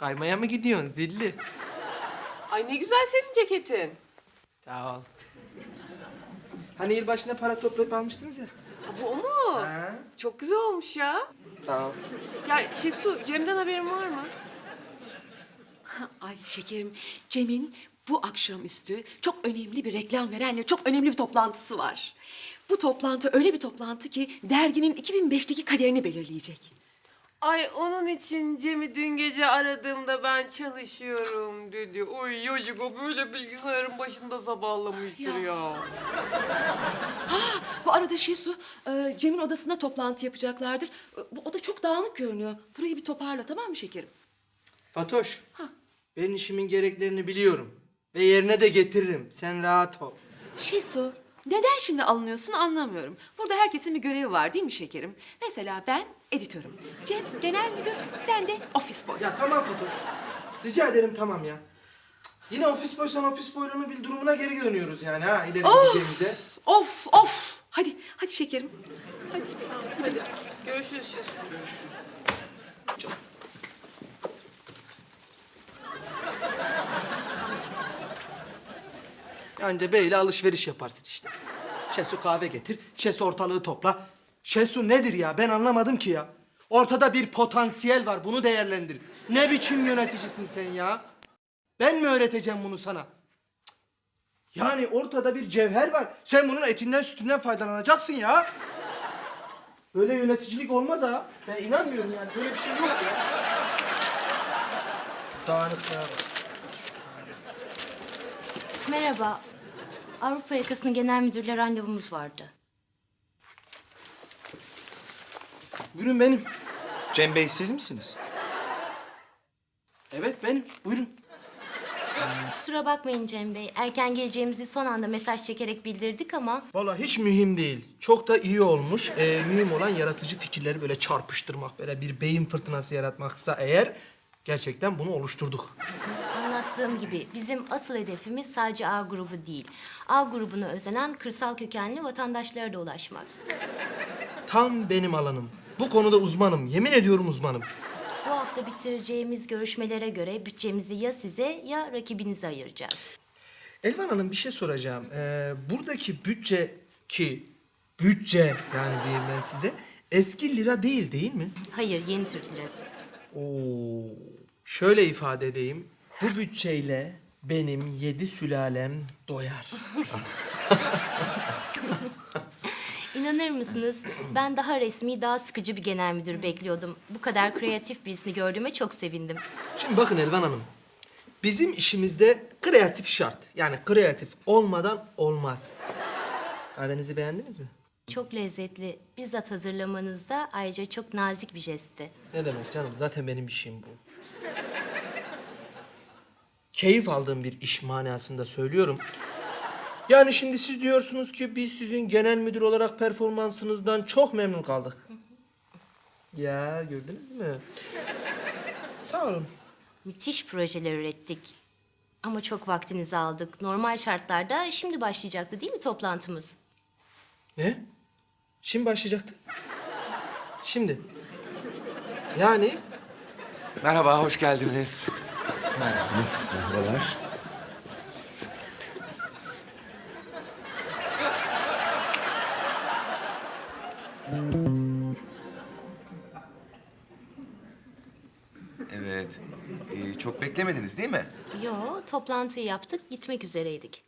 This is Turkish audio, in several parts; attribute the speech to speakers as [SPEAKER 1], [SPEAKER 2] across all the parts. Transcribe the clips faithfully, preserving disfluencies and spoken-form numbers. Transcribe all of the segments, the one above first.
[SPEAKER 1] Kaymaya mı gidiyorsun zilli?
[SPEAKER 2] Ay ne güzel senin ceketin.
[SPEAKER 1] Sağ ol. Hani yılbaşına para toplayıp almıştınız ya.
[SPEAKER 2] Ha, bu o mu?
[SPEAKER 1] Ha?
[SPEAKER 2] Çok güzel olmuş ya.
[SPEAKER 1] Sağ ol.
[SPEAKER 2] Ya Şesu, Cem'den haberin var mı?
[SPEAKER 3] Ay şekerim, Cem'in bu akşamüstü çok önemli bir reklam verenle çok önemli bir toplantısı var. Bu toplantı öyle bir toplantı ki derginin iki bin beşteki kaderini belirleyecek.
[SPEAKER 2] Ay onun için Cem'i dün gece aradığımda ben çalışıyorum dedi. Oy yocuk o böyle bilgisayarın başında sabahlamıştır ya.
[SPEAKER 3] Ya. Bu arada Şesu, e, Cem'in odasında toplantı yapacaklardır. E, Bu oda çok dağınık görünüyor. Burayı bir toparla, tamam mı şekerim?
[SPEAKER 1] Fatoş. Ben işimin gereklerini biliyorum. Ve yerine de getiririm. Sen rahat ol.
[SPEAKER 3] Şesu, neden şimdi alınıyorsun anlamıyorum. Burada herkesin bir görevi var değil mi şekerim? Mesela ben editörüm. Cem genel müdür, sen de ofis boysun.
[SPEAKER 1] Ya tamam Fatoş. Rica ederim tamam ya. Yine ofis boysan ofis boyluğunu bil durumuna geri dönüyoruz yani ha ileri gideceğimize.
[SPEAKER 3] Of of. Hadi hadi şekerim. Hadi.
[SPEAKER 2] Hadi görüşürüz Şesu.
[SPEAKER 1] Anca böyle alışveriş yaparsın işte. Şesu kahve getir, Şesu ortalığı topla. Şesu nedir ya? Ben anlamadım ki ya. Ortada bir potansiyel var, bunu değerlendir. Ne biçim yöneticisin sen ya? Ben mi öğreteceğim bunu sana? Cık. Yani ortada bir cevher var. Sen bunun etinden sütünden faydalanacaksın ya. Böyle yöneticilik olmaz ha. Ben inanmıyorum yani. Böyle bir şey yok ya. Dağınıklığa bak.
[SPEAKER 4] Merhaba. Avrupa Yakası'nın genel müdürle randevumuz vardı.
[SPEAKER 1] Buyurun benim.
[SPEAKER 5] Cem Bey siz misiniz?
[SPEAKER 1] Evet benim. Buyurun.
[SPEAKER 4] Kusura bakmayın Cem Bey. Erken geleceğimizi son anda mesaj çekerek bildirdik ama...
[SPEAKER 1] Vallahi hiç mühim değil. Çok da iyi olmuş. Ee, mühim olan yaratıcı fikirleri böyle çarpıştırmak, böyle bir beyin fırtınası yaratmaksa eğer gerçekten bunu oluşturduk.
[SPEAKER 4] Anlattığım gibi bizim asıl hedefimiz sadece A grubu değil. A grubuna özenen kırsal kökenli vatandaşlara da ulaşmak.
[SPEAKER 1] Tam benim alanım. Bu konuda uzmanım. Yemin ediyorum uzmanım.
[SPEAKER 4] Bu hafta bitireceğimiz görüşmelere göre bütçemizi ya size ya rakibinize ayıracağız.
[SPEAKER 1] Elvan Hanım bir şey soracağım. Ee, buradaki bütçe ki bütçe yani diyeyim ben size eski lira değil değil mi?
[SPEAKER 4] Hayır, yeni Türk lirası.
[SPEAKER 1] Oo. Şöyle ifade edeyim. Bu bütçeyle benim yedi sülalem doyar.
[SPEAKER 4] İnanır mısınız? Ben daha resmi, daha sıkıcı bir genel müdür bekliyordum. Bu kadar kreatif birisini gördüğüme çok sevindim.
[SPEAKER 1] Şimdi bakın Elvan Hanım. Bizim işimizde kreatif şart. Yani kreatif olmadan olmaz. Kahvenizi beğendiniz mi?
[SPEAKER 4] Çok lezzetli. Bizzat hazırlamanız da ayrıca çok nazik bir jestti.
[SPEAKER 1] Ne demek canım? Zaten benim işim bu. Keyif aldığım bir iş manasında söylüyorum. Yani şimdi siz diyorsunuz ki biz sizin genel müdür olarak performansınızdan çok memnun kaldık. Ya gördünüz mü? Sağ olun.
[SPEAKER 4] Müthiş projeler ürettik. Ama çok vaktinizi aldık. Normal şartlarda şimdi başlayacaktı değil mi toplantımız?
[SPEAKER 1] Ne? Şimdi başlayacaktı. Şimdi. Yani
[SPEAKER 5] Merhaba, hoş geldiniz. Neredesiniz? Merhabalar. Evet. Ee, çok beklemediniz değil mi?
[SPEAKER 4] Yo, toplantıyı yaptık, gitmek üzereydik.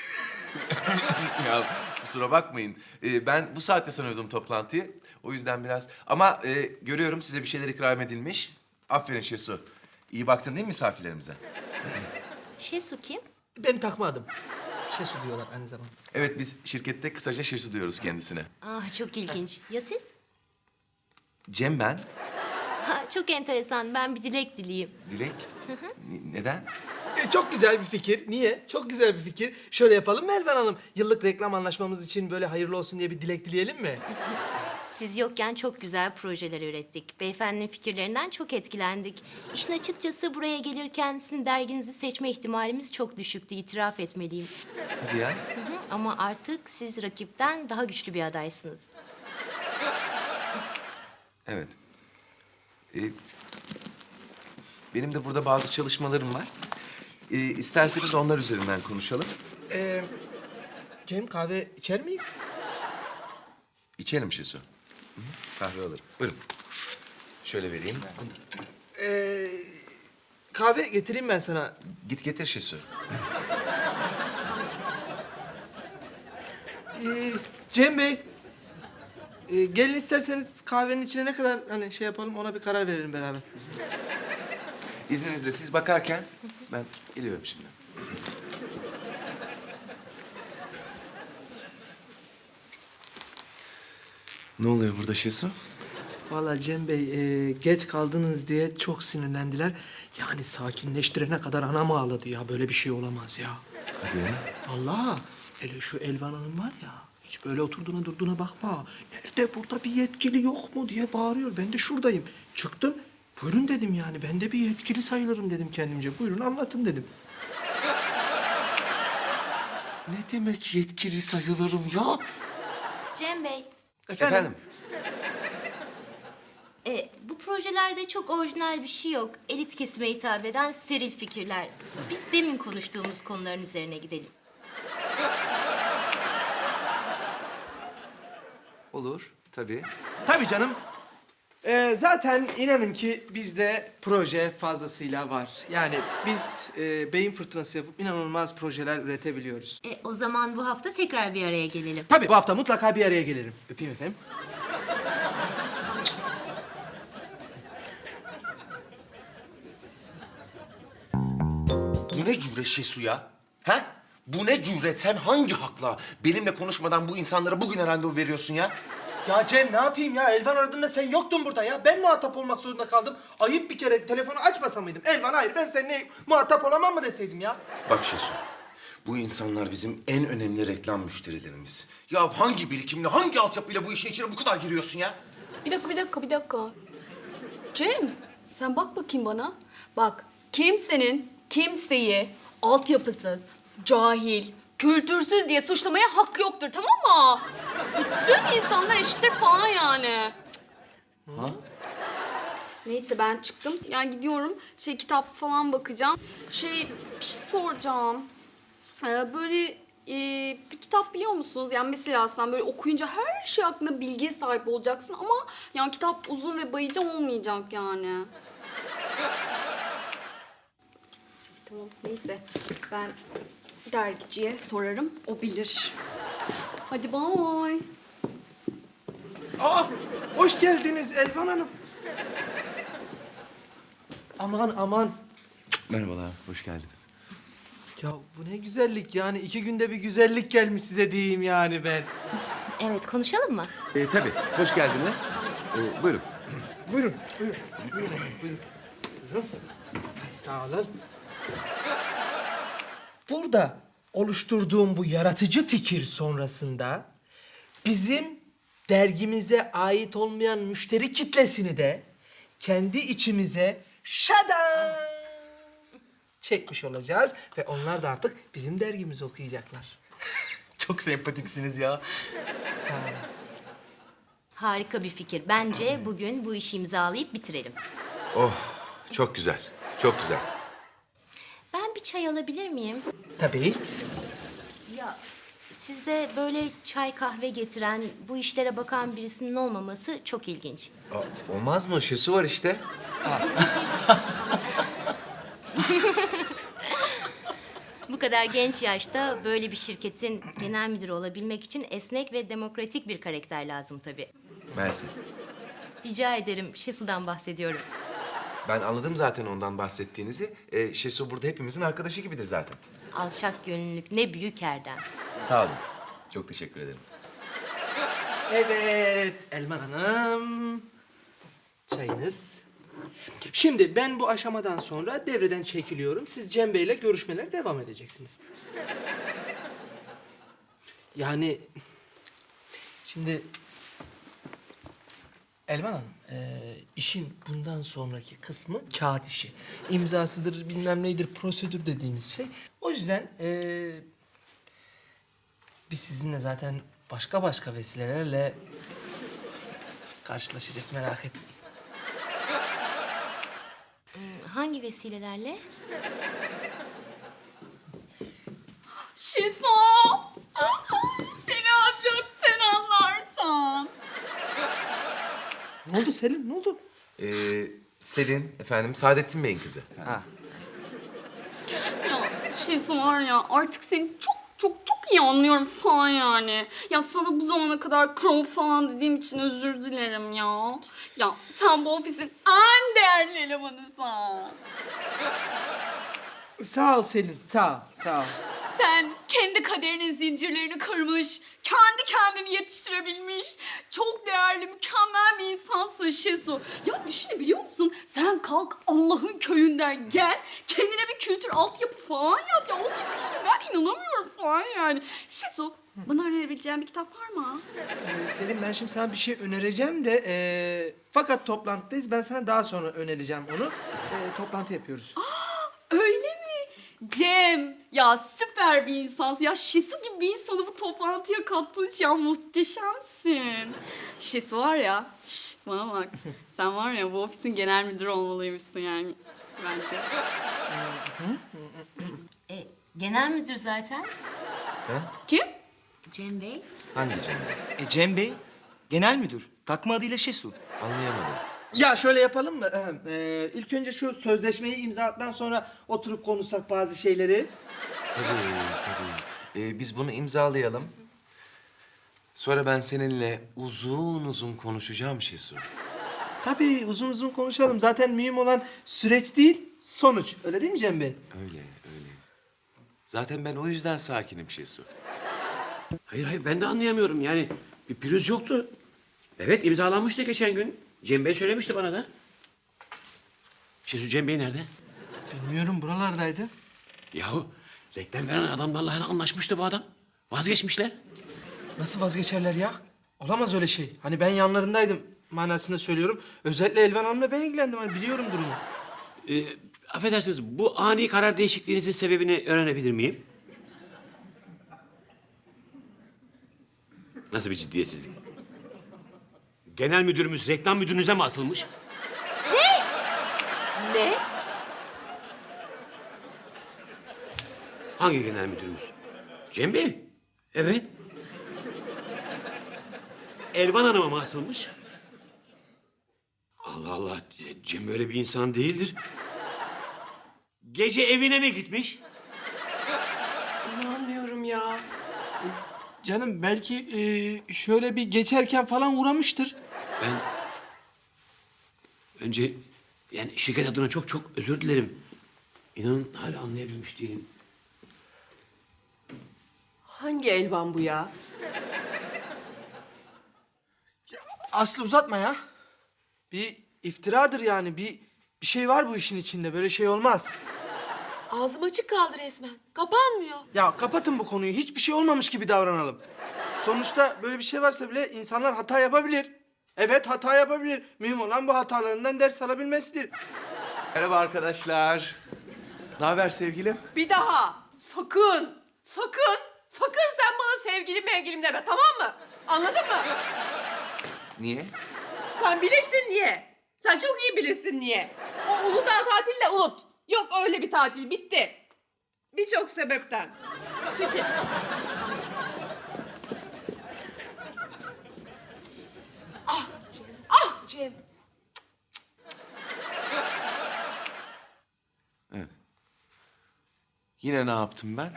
[SPEAKER 5] Ya kusura bakmayın. Ee, ben bu saatte sanıyordum toplantıyı. O yüzden biraz... Ama e, görüyorum size bir şeyler ikram edilmiş. Aferin Şesu. İyi baktın değil mi misafirlerimize?
[SPEAKER 4] Şesu kim?
[SPEAKER 1] benim takma adım. Şesu diyorlar aynı zamanda.
[SPEAKER 5] Evet, biz şirkette kısaca Şesu diyoruz kendisine.
[SPEAKER 4] Ah, çok ilginç. Ya siz?
[SPEAKER 5] Cem ben.
[SPEAKER 4] Ha, çok enteresan. Ben bir dilek dileyeyim.
[SPEAKER 5] Dilek. N- neden?
[SPEAKER 1] E, çok güzel bir fikir. Niye? Çok güzel bir fikir. Şöyle yapalım mı Elvan Hanım? Yıllık reklam anlaşmamız için böyle hayırlı olsun diye bir dilek dileyelim mi?
[SPEAKER 4] Siz yokken çok güzel projeler ürettik. Beyefendinin fikirlerinden çok etkilendik. İşin açıkçası buraya gelirken sizin derginizi seçme ihtimalimiz çok düşüktü. İtiraf etmeliyim.
[SPEAKER 5] Hadi ya.
[SPEAKER 4] Hı hı, ama artık siz rakipten daha güçlü bir adaysınız.
[SPEAKER 5] Evet. Ee, benim de burada bazı çalışmalarım var. Ee, isterseniz onlar üzerinden konuşalım.
[SPEAKER 1] Ee, Cem kahve içer miyiz?
[SPEAKER 5] İçelim Şesu. Hı hı, kahve alırım. Buyurun. Şöyle vereyim.
[SPEAKER 1] Ee, kahve getireyim ben sana.
[SPEAKER 5] Git getir Şesu.
[SPEAKER 1] Ee, Cem Bey. Ee, gelin isterseniz kahvenin içine ne kadar hani şey yapalım ona bir karar verelim beraber.
[SPEAKER 5] İzninizle siz bakarken ben geliyorum şimdi. Ne oluyor burada Şesu?
[SPEAKER 1] Vallahi Cem Bey e, geç kaldınız diye çok sinirlendiler. Yani sakinleştirene kadar anam ağladı ya. Böyle bir şey olamaz ya.
[SPEAKER 5] Hadi ya.
[SPEAKER 1] Vallahi hele şu Elvan Hanım var ya. Hiç böyle oturduğuna durduğuna bakma. Nerede burada bir yetkili yok mu diye bağırıyor. Ben de şuradayım. Çıktım. Buyurun dedim yani. Ben de bir yetkili sayılırım dedim kendimce. Buyurun anlatın dedim.
[SPEAKER 5] Ne demek yetkili sayılırım ya?
[SPEAKER 4] Cem Bey,
[SPEAKER 5] Efendim?
[SPEAKER 4] e, bu projelerde çok orijinal bir şey yok. Elit kesime hitap eden steril fikirler. Biz demin konuştuğumuz konuların üzerine gidelim.
[SPEAKER 5] Olur, tabii.
[SPEAKER 1] Tabii canım. Ee, zaten inanın ki bizde proje fazlasıyla var. Yani biz e, beyin fırtınası yapıp inanılmaz projeler üretebiliyoruz.
[SPEAKER 4] E, o zaman bu hafta tekrar bir araya gelelim.
[SPEAKER 1] Tabii bu hafta mutlaka bir araya gelirim. Öpeyim efendim.
[SPEAKER 5] Bu ne cüret Şesu ya? Ha? Bu ne cüret? Sen hangi hakla benimle konuşmadan bu insanlara bugüne randevu veriyorsun ya?
[SPEAKER 1] Ya Cem ne yapayım ya? Elvan aradığında sen yoktun burada ya. Ben muhatap olmak zorunda kaldım. Ayıp bir kere telefonu açmasa mıydım? Elvan hayır ben seninle muhatap olamam mı deseydim ya?
[SPEAKER 5] Bak Şesu, bu insanlar bizim en önemli reklam müşterilerimiz. Ya hangi birikimle, hangi altyapıyla bu işin içine bu kadar giriyorsun ya?
[SPEAKER 3] Bir dakika, bir dakika, bir dakika. Cem, sen bak bakayım bana. Bak, kimsenin kimseyi altyapısız, cahil, kültürsüz diye suçlamaya hakkı yoktur, tamam mı? Bütün insanlar eşittir falan yani.
[SPEAKER 5] Ha?
[SPEAKER 3] Neyse ben çıktım. Yani gidiyorum. Şey kitap falan bakacağım. Şey bir şey soracağım. Ee, böyle e, bir kitap biliyor musunuz? Yani mesela aslında böyle okuyunca her şey hakkında bilgiye sahip olacaksın ama yani kitap uzun ve bayıcı olmayacak yani. Tamam neyse ben dergiciye sorarım. O bilir. Hadi bye.
[SPEAKER 1] Aa, hoş geldiniz Elvan Hanım. Aman aman.
[SPEAKER 5] Merhabalar, hoş geldiniz.
[SPEAKER 1] Ya bu ne güzellik yani. iki günde bir güzellik gelmiş size diyeyim yani ben.
[SPEAKER 4] Evet, konuşalım mı?
[SPEAKER 5] Ee, tabii, hoş geldiniz. Ee, buyurun.
[SPEAKER 1] Buyurun, buyurun. Buyurun, buyurun. Buyurun. Sağ olun. Burada oluşturduğum bu yaratıcı fikir sonrasında bizim dergimize ait olmayan müşteri kitlesini de kendi içimize şadan çekmiş olacağız ve onlar da artık bizim dergimizi okuyacaklar.
[SPEAKER 6] Çok sempatiksiniz ya.
[SPEAKER 1] Sağ olun.
[SPEAKER 4] Harika bir fikir. Bence bugün bu işi imzalayıp bitirelim.
[SPEAKER 5] Oh, çok güzel, çok güzel.
[SPEAKER 4] Ben bir çay alabilir miyim?
[SPEAKER 1] Tabii.
[SPEAKER 4] Ya sizde böyle çay kahve getiren, bu işlere bakan birisinin olmaması çok ilginç.
[SPEAKER 5] Aa, olmaz mı? Şesu var işte.
[SPEAKER 4] Bu kadar genç yaşta böyle bir şirketin genel müdürü olabilmek için esnek ve demokratik bir karakter lazım tabii.
[SPEAKER 5] Mersi.
[SPEAKER 4] Rica ederim, Şesu'dan bahsediyorum.
[SPEAKER 5] Ben anladım zaten ondan bahsettiğinizi. Ee, Şesu burada hepimizin arkadaşı gibidir zaten.
[SPEAKER 4] Alçak gönüllülük ne büyük erdem.
[SPEAKER 5] Sağ olun. Çok teşekkür ederim.
[SPEAKER 1] Evet, Elman Hanım. Çayınız. Şimdi ben bu aşamadan sonra devreden çekiliyorum. Siz Cem Bey'le görüşmelere devam edeceksiniz. Yani şimdi Elman Hanım, e, işin bundan sonraki kısmı kağıt işi. İmzasıdır, bilmem neydir, prosedür dediğimiz şey. O yüzden e, biz sizinle zaten başka başka vesilelerle karşılaşacağız, merak etmeyin.
[SPEAKER 4] hangi vesilelerle?
[SPEAKER 3] Şiso! Beni ancak sen anlarsan.
[SPEAKER 1] Ne oldu Selim, ne oldu?
[SPEAKER 5] Ee, Selin, efendim, Saadettin Bey'in kızı.
[SPEAKER 1] Ha.
[SPEAKER 3] Ya Şiso var ya artık seni çok çok çok iyi anlıyorum falan yani. Ya sana bu zamana kadar crow falan dediğim için özür dilerim ya. Ya sen bu ofisin en değerli elemanısın.
[SPEAKER 1] Sağ ol Selin, sağ ol, sağ ol.
[SPEAKER 3] Sen kendi kaderinin zincirlerini kırmış, kendi kendini yetiştirebilmiş, çok değerli, mükemmel bir insansın Şesu. Ya düşünebiliyor musun? Sen kalk Allah'ın köyünden gel, kendine bir kültür altyapı falan yap. Ya olacak iş mi? Ben inanamıyorum falan yani. Şesu, bana önerebileceğin bir kitap var mı?
[SPEAKER 1] Ee, Selim ben şimdi sana bir şey önereceğim de... ee, fakat toplantıdayız, ben sana daha sonra önereceğim onu. Ee, toplantı yapıyoruz.
[SPEAKER 3] Öyle mi? Cem, ya süper bir insansın. Ya Şesu gibi bir insanı bu toplantıya kattığın için ya muhteşemsin. Şesu var ya, şş, bana bak. Sen var ya bu ofisin genel müdürü olmalıymışsın yani bence.
[SPEAKER 4] E, genel müdür zaten.
[SPEAKER 3] Kim?
[SPEAKER 4] Cem Bey.
[SPEAKER 5] Hangi canım?
[SPEAKER 6] E Cem Bey, genel müdür. Takma adıyla Şesu.
[SPEAKER 5] Anlayamadım.
[SPEAKER 1] Ya şöyle yapalım mı? Ee, ilk önce şu sözleşmeyi imzaladıktan sonra oturup konuşsak bazı şeyleri.
[SPEAKER 5] Tabii, tabii. Ee, biz bunu imzalayalım. Sonra ben seninle uzun uzun konuşacağım Şesu.
[SPEAKER 1] Tabii uzun uzun konuşalım. Zaten mühim olan süreç değil, sonuç. Öyle değil mi Cem Bey?
[SPEAKER 5] Öyle, öyle. Zaten ben o yüzden sakinim Şesu.
[SPEAKER 7] Hayır hayır ben de anlayamıyorum yani bir pürüz yoktu. Evet imzalanmıştı geçen gün. Cem Bey söylemişti bana da. Şesu Cem Bey nerede?
[SPEAKER 1] Bilmiyorum, buralardaydı.
[SPEAKER 7] Yahu reklam veren adamlarla hani anlaşmıştı bu adam. Vazgeçmişler.
[SPEAKER 1] Nasıl vazgeçerler ya? Olamaz öyle şey. Hani ben yanlarındaydım manasında söylüyorum. Özellikle Elvan Hanım'la ben ilgilendim. Hani biliyorum durumu.
[SPEAKER 7] Ee, affedersiniz bu ani karar değişikliğinizin sebebini öğrenebilir miyim? Nasıl bir ciddiyetsizlik? Genel müdürümüz reklam müdürünüze mi asılmış?
[SPEAKER 2] Ne?
[SPEAKER 7] Hangi genel müdürümüz? Cem Bey. Evet. Elvan Hanım'a mı asılmış? Allah Allah. Cem böyle bir insan değildir. Gece evine mi gitmiş?
[SPEAKER 2] İnanmıyorum ya.
[SPEAKER 1] Canım belki e, şöyle bir geçerken falan uğramıştır.
[SPEAKER 7] Ben... Önce yani şirket adına çok çok özür dilerim. İnanın hala anlayabilmiş değilim.
[SPEAKER 2] Hangi Elvan bu ya?
[SPEAKER 1] Aslı uzatma ya. Bir iftiradır yani. Bir bir şey var bu işin içinde. Böyle şey olmaz.
[SPEAKER 2] Ağzım açık kaldı resmen. Kapanmıyor.
[SPEAKER 1] Ya kapatın bu konuyu. Hiçbir şey olmamış gibi davranalım. Sonuçta böyle bir şey varsa bile insanlar hata yapabilir. Evet hata yapabilir. Mühim olan bu hatalarından ders alabilmesidir.
[SPEAKER 5] Merhaba arkadaşlar. Ne haber sevgilim?
[SPEAKER 2] Bir daha sakın, sakın, sakın sen bana sevgilim mevgilim deme, tamam mı? Anladın mı?
[SPEAKER 5] Niye?
[SPEAKER 2] Sen bilirsin niye. Sen çok iyi bilirsin niye. O Uludağ tatili de unut. Yok öyle bir tatil, bitti. Birçok sebepten. Çünkü... Ah Cem, ah Cem.
[SPEAKER 5] Yine ne yaptım ben?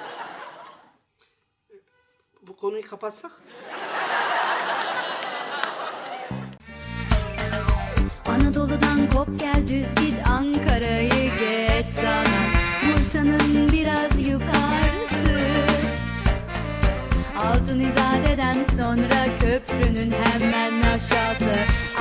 [SPEAKER 1] Bu konuyu kapatsak?
[SPEAKER 8] Anadolu'dan kop gel düz git Ankara'yı geç sana Bursa'nın biraz yukarısı Altın İzade'den sonra köprünün hemen aşağısı